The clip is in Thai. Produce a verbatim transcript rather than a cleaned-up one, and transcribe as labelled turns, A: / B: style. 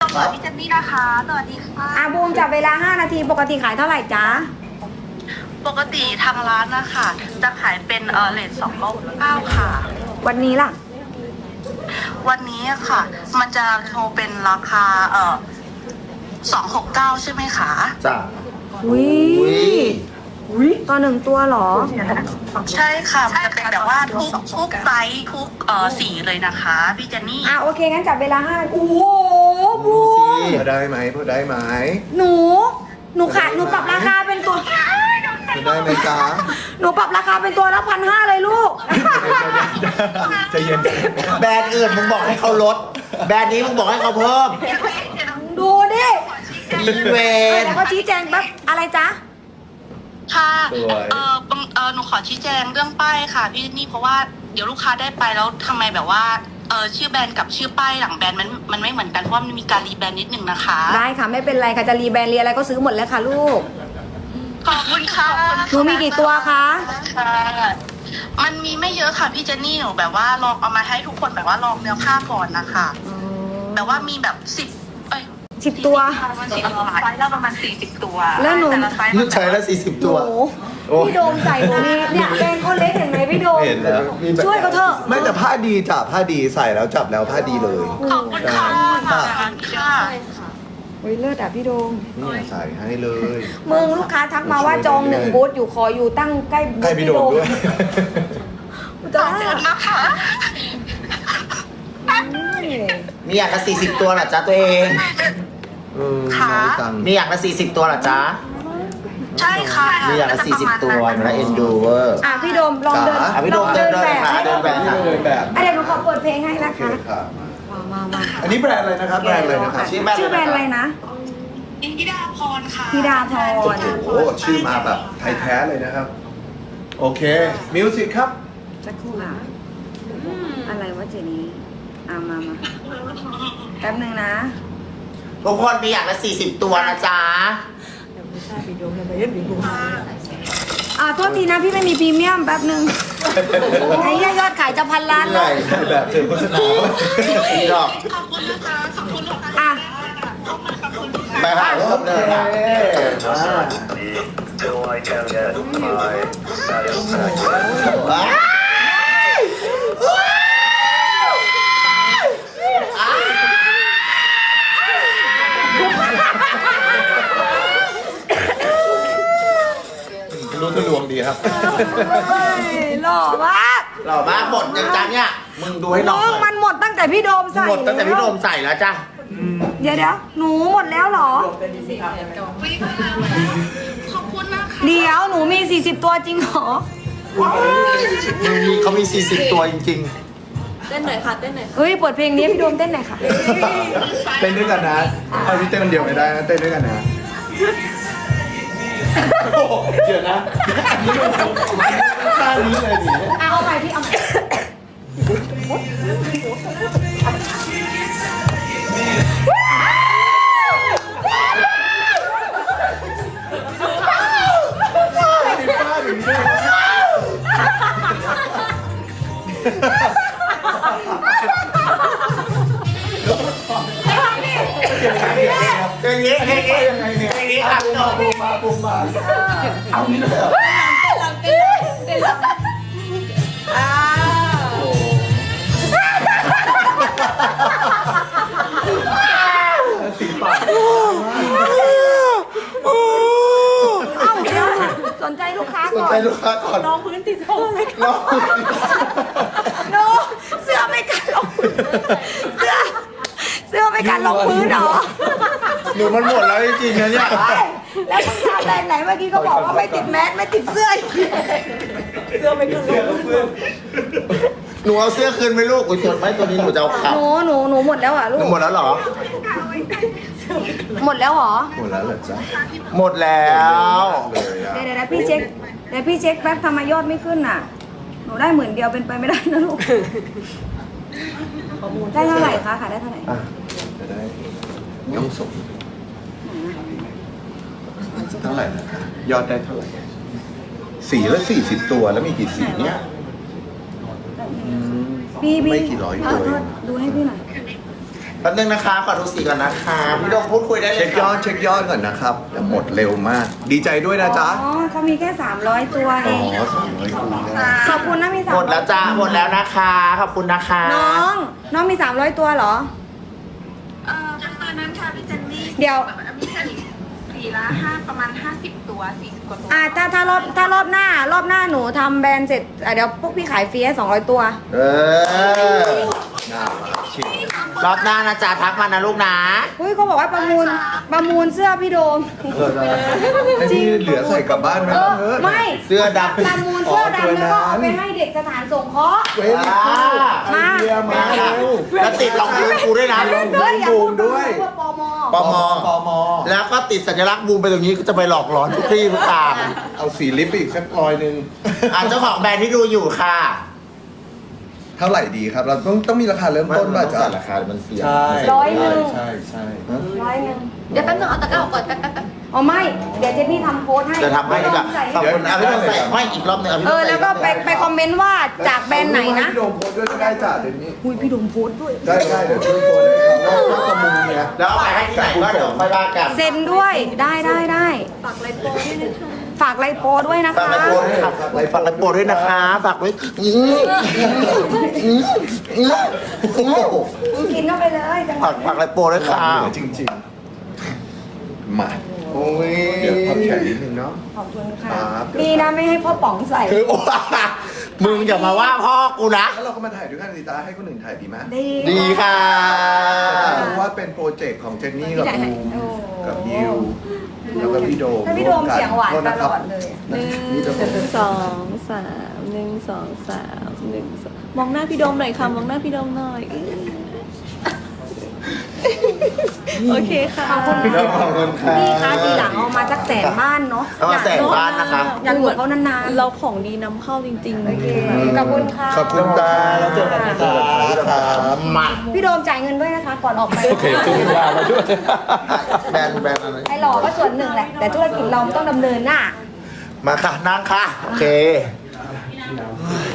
A: สวัสดีพี่เจนนี่นะคะสวัสดีค่ะ
B: อาบูมจับเวลาห้านาทีปกติขายเท่าไหร่จ๊ะ
A: ปกติทางร้านนะคะจะขายเป็นเออเลทสองเก้าเก้าค่ะ
B: วันนี้ล่ะ
A: วันนี้ค่ะ มันจะโชว์เป็นราคาเออสองหกเก้าใช่ไหมคะ
C: จ้ะ
B: อุ้ยอุ้ยตัวหนึ่งตัวเหรอ
A: ใช่ค่ะมันจะเป็นแบบว่าทุกทุกไซส์ทุกเออสีเลยนะคะพี่เจนนี่
B: อ่ะโอเคงั้นจับเวลาห้าโอ้โหบู
C: ดูสิ
B: ม
C: พอได้ไหมพอได้ไหม
B: หนู หนูขายหนูปรับราคาเป็นตัว
C: พอได้ไหมจ๊ะ
B: หนูปรับราคาเป็นตัวละพันห้าเลยลูก
C: ใจเย็นแบรนด์อื่นมึงบอกให้เขาลด แบรนด์นี้มึงบอกให้เขาเพิ่ม
B: ดูดิ
C: อีเวน
B: แล้วก็ชี้แจงแบบอะไรจ๊ะ
A: ค่ะ
C: สวย
A: เออบังเออหนูขอชี้แจงเรื่องป้ายค่ะพี่เจนนี่เพราะว่าเดี๋ยวลูกค้าได้ไปแล้วทำไมแบบว่าเออชื่อแบรนด์กับชื่อป้ายหลังแบรนด์มันมันไม่เหมือนกันเพราะว่ามันมีการรีแบรนด์นิดนึงนะคะ
B: ได้ค่ะไม่เป็นไรค่ะจะรีแบรนด์เรียอะไรก็ซื้อหมดแล้วค่ะลูก
A: ขอบคุณค่ะ
B: หนูมีกี่ตัวคะ
A: ค่ะมันมีไม่เยอะค่ะพี่เจนนี่หนูแบบว่าลองเอามาให้ทุกคนแบบว่าลองเนื้อผ้าก่อนนะคะแบบว่ามีแบบสิบเอ้ย
B: สิบตัว
A: ประมาณสิบตัวไซส์ละประมาณสี่สิบตัว
B: แล้วหนู
A: ต่ละไซส์
C: ลูกชายละสี่สิบ
B: ห
C: ตัว
B: นู
C: โอ้
B: พี่โดมใส่หนูนี่เนี่ยแกงเขาเล็กเห็นไหมพี่โดม
C: เห็นแล้วมีแบบ
B: ช่วยเขาเถอะ
C: ไม่แต่ผ้าดีจ้ะผ้าดีใส่แล้วจับแล้วผ้าดีเลย
A: ขอบคุณค่ะ
C: ค่ะ
A: ค่ะ
B: โอ้ยเลิศอ่ะพี่โดม
C: นี่ใส่ให้เลย
B: มึงลูกค้าทักมาว่าจองหนึ่งบูธอยู่คออยู่ตั้งใกล้
C: ใกล้พี่โดมด้วย
B: จ้า
A: ขอบคุณนะคะ
D: มีอย่างละสี่สิบตัวเหรอจ๊ะตัวเอง
C: เออน้อยจัง
D: มีอย่างละสี่สิบตัวเหรอจ๊ะ
A: ใช่ค่ะ
D: มีอย่างละสี่สิบตัวหนูละเอ็นดูเวอร์
B: อ่ะพี่โดมลองเดิน
D: อ่ะพี่โดม
B: ลอง
D: เดินเดิน
B: แบบ
D: ค่ะเดินแบบค่ะ
C: เดินแบบ
B: อ่ะเดี๋ยวหนูขอเปิดเพลงให้นะ
C: โอเค
B: คะ
C: ค่ะ
B: มามามา
C: อันนี้แบรนด์อะไรนะครับแบรนด์อะไรนะครับ
D: ชื่อแบรนด์
B: ชื่อแบรนด์อะไรนะ
A: ธิดาพรค่ะ
B: ธิดาพร
C: โอ้โหชื่อมาแบบไทยแท้เลยนะครับ โอเคมิวสิกครับ
B: สักครู่ค่ะอะไรวะเจนี่อ่ะมามาแป๊บหนึงนะ
D: ทุกคนมีอย่างละสี่สิบตัวนะจ๊ะ
B: อ่ะโทษทีนะพี่ไม่มีพรีเมียมแป๊บหนึงไอ้เหี้ยยอดขายจะพันล้าน
C: ให
B: แล้
C: ญ่
B: ว
C: แบบเจอโฆษณา
D: อีดอก
A: ขอบคุณนะคะขอบคุณค่ะ
B: อ่ะ
C: ไปหารอบเลยนะ
E: Till I can get my satisfaction.
D: ว้าย
C: รู้ทะลวงดีครับ
B: เฮ้ยหล่อมาก
D: หล่อมากหมดยังจ๊ะเนี่ย มึงดูให้น้อง
B: มึง
D: หน่
B: มั
D: อย
B: นหมดตั้งแต่พี่โดมใส่
D: หมดตั้งแต่พี่โดมใส่แล้วจ้ะ
B: เดี๋ยวเดี๋ยวหนูหมดแล้วเหรอ
A: ขอบคุณนะคะ
B: เดี๋ยวหนูมีสี่สิบตัวจริงเหรอ
C: มึงมีเขามีสี่สิบตัวจริง
B: เฮ้ยเปิดเพลงนี้ให้พี่โดมเต้นหน่อยค่ะ
C: ๆ เต้นด้วยกันนะเอาที่เต้นคนเดียวไม่ได้นะเต้นด้วยกันนะโอ้โหเดี๋ยวนะท่านี้เลยดิ
B: อ่ะเอาใหม่พี่เอาใหม่
D: อย่างนี้อย่างนี้อย่างนี้ครับพี่โดม
C: ปูมาปูมาเอานี่เลยเหรอ
B: อ่า
C: โอ้สีปาก
B: เอ้าเดี๋ยวสนใจลูกค้า
C: สน
B: ก่อ
C: ใจ
B: น
C: ลูกค้าก่อนน้องพื้นติดท่อเลยน้อง
B: โนเสื้อไม่กันลงพื้นเสื้อเสื้อไม่กันลงพื้นเหรอ
C: หนูมันหมดแล้วจริงๆนะเนี่ย
B: เฮ้ยแล้วมึงทำแบรนด์ไหนเมื่อกี้ก็บอกว่าไม่ติดแมสไม่ติดเสื้ออีก
D: หนูเอาเสื้อคืนไหมลูกอุ้ยตัวไม่ตัวนี้หนูจะเอาขับ
B: หนูหนูหนูหมดแล้วอ่ะลู
D: หนู
B: ก
D: หมดแล้วเหรอ
B: หมดแล้วเหรอ
C: หมดแล้วเหรอจ๊ะ
D: หมดแล้ว
C: เลยอ่ะ
B: เดี๋ยวเดี๋ยวพี่เช็คเดี๋ยวพี่เช็คแป๊บทำไมยอดไม่ขึ้นน่ะ หนูได้หมื่นเดียวเป็นไปไม่ได้นะลูก ได้เท่าไหร่คะขายได้เท่าไหร่
C: อ่ะจะได้ย่องส่งเท่าไหร่นะคะยอดได้เท่าไหร่สีละสี่สิบตัวแล้วมีกี่สีเนี่ยอืม
B: พี่พี่
C: ไม่กี่ร้อย
B: เอ
C: ตัว
B: อ
C: เอง
B: ดูให้พี่หน่อย
D: แป๊บนึงนะคะขอดูสีก่อนนะคะพี่โดมพูดคุยได้เลย
C: เช็คยอดเช็คยอดก่อนนะครับแต่หมดเร็วมาก ดีใจด้วยนะจ๊ะ
B: อ๋อเขามีแค่สามร้อยตัวเอ
C: อ๋อง สองร้อยคูณได้
B: ขอบคุณนะมีสาม
D: หมดแล้วจ้าหมดแล้วนะคะขอบคุณนะคะ
B: น้อง น้องมีสามร้อยตัวเหรอ
A: เออตอนนั้นค่ะพี่เจนนี่
B: เดี๋ยว
A: มีแค่สี่ละห้าประมาณห้าสิบตัวสี่สิบกว่าตัว
B: อ่าถ้าถ้ารอบถ้ารอบหน้ารอบหน้าหนูทำแบรนด์เสร็จอ่ะเดี๋ยวพวกพี่ขายฟรีให้สองร้อยตัว
D: เออ
C: น่ารักชิบ
D: รอบหน้านะจ๊ะทักมานะลูกนะ
B: เฮ้ยเขาบอกว่าประมูลประมูลเสื้อพี่โดม
C: ไอ้ที่เหลือใส่กลับบ้านไหม
B: เออ
C: เออ
B: ไม่
D: เสื้อด
B: ประมูลเสื้อดำแล้วก็เอาไปให้เด็กสถานสงเคราะห์
C: เว้ยไอเดียมาเร็ว
D: ำแล้วติดรองพื้นกูด้วยนะ
B: เฮ้ยอย่า
C: บู
B: พู
C: ม
B: ด
C: ด้วย
B: เพื่อปม
D: ปม
C: ปม
D: แล้วก็ติดสัญลักษณ์บูมไปตรงนี้ก็จะไปหลอกหลอนทุกที่ทุกทาง
C: เอาสีลิปไปอีกสักร้อยหนึ่ง
D: อ่ะเจ้าของแบรนด์ที่ดูอยู่ค่ะ
C: เท่าไหร่ดีครับ เราต้องต้องมีราคาเริ่มต้นป่ะจ๊ะ
D: ราคามันเสีย
C: ใช่
B: ร้อยหนึ่ง
C: ใช่ใช่
B: ร้อยหนึ่ง
A: เดี๋ยวแป๊บนึงเอาตะกร้าออกก่อนแป๊บแป๊บแป๊บ
B: อ๋อไม่ เดี๋ยวเจนนี่ทำโค้ดให้
D: จะทำให้แบบ
B: ใส่
D: ขอบคุณอ่ะพี่ต้องใส่ไม่อีกรอบหนึงอ่ะพี่
B: เอ
D: ต้อง
B: อ
D: ใส่
B: แล้วก็ไปไปคอมเมนต์ว่าจากแบรนด์ไหนนะ
C: พี่โดมโพสต์ด้วยก็ได้จ้ะเดี๋ยวนี้
B: อุ้ยพี่โดมโพสต์ด้วย
C: ได้ได้เดี๋ยวช่วยโพสต์ให้ครับแล้วก็ประมูลเนี่ย
D: แล้วเอาไปให้ที่ไหนก็เดี๋ยวค่อยว่ากัน
B: เซ็นด้วยได้ได้ได้ฝากไลโปด้วยนะคะฝากไลโปด้วยนะ
D: ฝาก
B: คะ
D: ไลโปรด้วยค่ะฝากไลโปรด้วยนะคะฝากไว้อื้ออื้ออื้ออื้อ
B: มึงกินเข้าไปเลยจังห
D: ฝาว
B: ะ
D: กฝากไลโปรด้วยค่ะ
C: จริงๆ มา
D: โอ้ย
C: เดี๋ยวพับแขนนิดนึงเนาะ
B: ขอบคุณค่ะ
C: ครับ
B: ดีนะไม่ให้พ่อป๋องใส่
D: คือว่ามึงอย่ามาว่าพ่อกูนะ
C: แล้วเราก็มาถ่ายด้วยกันดีตาให้คนอื่นถ่ายดีไหม
B: ดี
D: ดีค่ะ
C: รู้ว่าเป็นโปรเจกต์ของเจนนี่
B: พี่
C: กับ
B: ถ่ายให้
C: บูม
B: โอ้
C: กับยิวแล้วก็พี่โดม
B: ถ้าพี่โดมเสียงหวาน
C: โทษ
B: ต
C: นะค
B: ล
C: รับ
B: อดเลย
F: หนึ่งสองสามหนึ่งสองสามหนึ่งสองมองหน้าพี่โดมหน่อยค่ะมองหน้าพี่โดมหน่อยอื้อโอเคค่ะ
B: ขอบคุณ
D: พี่โดมขอบคุณค่ะ
B: พี่คะทีหลังเอามาสักแสนบ้านเนาะ
D: เอามาแสนบ้านนะคะ
B: อยากอยู่กับเขานานๆ
F: เราของดีนำเข้าจริงๆ
B: โอเคขอบคุณค่ะ
C: ขอบคุณตาแล้วเจอกันนะครับ
D: มา
B: พี่โดมจ่ายเงินด้วยนะคะก่อนออกไป
C: โอเคขึ้นมามาด้วย
D: แบรนด์แบรนด์อะไร
B: ไอ้หล่อก็ส่วนหนึ่งแหละ แต่ธุรกิจเราต้องดำเนินหน้า
D: มาค่ะนั่งค่ะ โอเค